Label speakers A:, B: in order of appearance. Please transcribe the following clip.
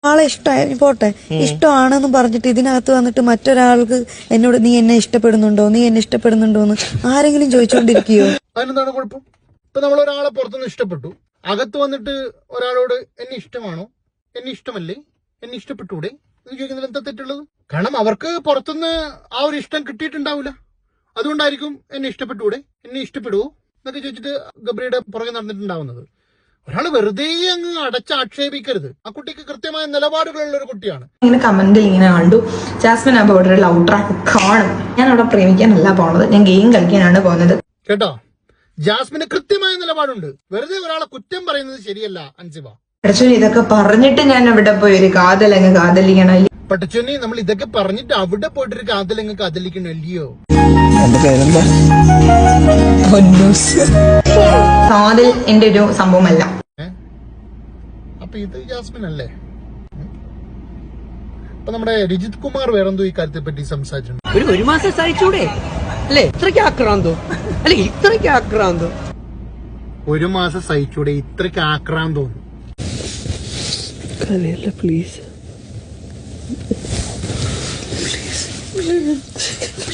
A: ആളെ ഇഷ്ടമായി പോട്ടെ, ഇഷ്ടമാണെന്ന് പറഞ്ഞിട്ട് ഇതിനകത്ത് വന്നിട്ട് മറ്റൊരാൾക്ക് എന്നോട് നീ എന്നെ ഇഷ്ടപ്പെടുന്നുണ്ടോ എന്ന് ആരെങ്കിലും ചോദിച്ചോണ്ടിരിക്കുകയോ?
B: അതിനെന്താണ് കുഴപ്പം? ഇപ്പൊ നമ്മൾ ഒരാളെ പുറത്തുനിന്ന് ഇഷ്ടപ്പെട്ടു, അകത്ത് വന്നിട്ട് ഒരാളോട് എന്നെ ഇഷ്ടമാണോ, എന്നെ ഇഷ്ടമല്ലേ, എന്നെ ഇഷ്ടപ്പെട്ടൂടെ എന്ന് ചോദിക്കുന്നതിൽ എന്താ തെറ്റുള്ളത്? കാരണം അവർക്ക് പുറത്തുനിന്ന് ആ ഒരു ഇഷ്ടം കിട്ടിയിട്ടുണ്ടാവില്ല. അതുകൊണ്ടായിരിക്കും എന്നെ ഇഷ്ടപ്പെട്ടൂടെ, എന്നെ ഇഷ്ടപ്പെടുവോ എന്നൊക്കെ ചോദിച്ചിട്ട് ഗബ്രിയുടെ പുറകെ നടന്നിട്ടുണ്ടാവുന്നത്. ഒരാൾ വെറുതെ അങ്ങ് അടച്ചാക്ഷേപിക്കരുത്. ആ കുട്ടിക്ക് കൃത്യമായ നിലപാടുകളുള്ള ഒരു കുട്ടിയാണ്.
C: ഇങ്ങനെ കമന്റിൽ ഇങ്ങനെ കണ്ടു, ജാസ്മിൻ അപ്പൊ അവിടെ ഒരു ലവ് ട്രാക്ക് കാണും. ഞാൻ അവിടെ പ്രേമിക്കാനല്ല പോണത്, ഞാൻ ഗെയിം കളിക്കാനാണ് പോകുന്നത്.
B: കേട്ടോ, ജാസ്മിന് കൃത്യമായ നിലപാടുണ്ട്. വെറുതെ ഒരാളെ കുറ്റം പറയുന്നത് ശരിയല്ല അൻസിബ.
C: പടച്ചോനെ, ഇതൊക്കെ പറഞ്ഞിട്ട് ഞാൻ അവിടെ പോയി ഒരു കാതലങ്ങ് കാതലിക്കണം.
B: പടച്ചോനെ, നമ്മൾ ഇതൊക്കെ പറഞ്ഞിട്ട് അവിടെ പോയിട്ടൊരു കാതലങ്ങ് കാതലിക്കണല്ലയോ?
C: കാതൽ എന്റെ ഒരു സംഭവമല്ല.
B: അപ്പൊ ഇത് ജാസ്മിൻ അല്ലേ? അപ്പൊ നമ്മുടെ രജിത് കുമാർ വേറെന്തോ ഈ കാര്യത്തെ പറ്റി സംസാരിച്ചിട്ടുണ്ട്.
D: ഒരു മാസം സഹിച്ചൂടെ അല്ലേ? ഇത്രയ്ക്ക് ആക്രാന്തോ? അല്ലെ ഇത്രയ്ക്ക് ആക്രാന്തോ?
B: ഒരു മാസം സഹിച്ചൂടെ ഇത്രയ്ക്ക് ആക്രാന്തോന്നു?
D: പ്ലീസ്.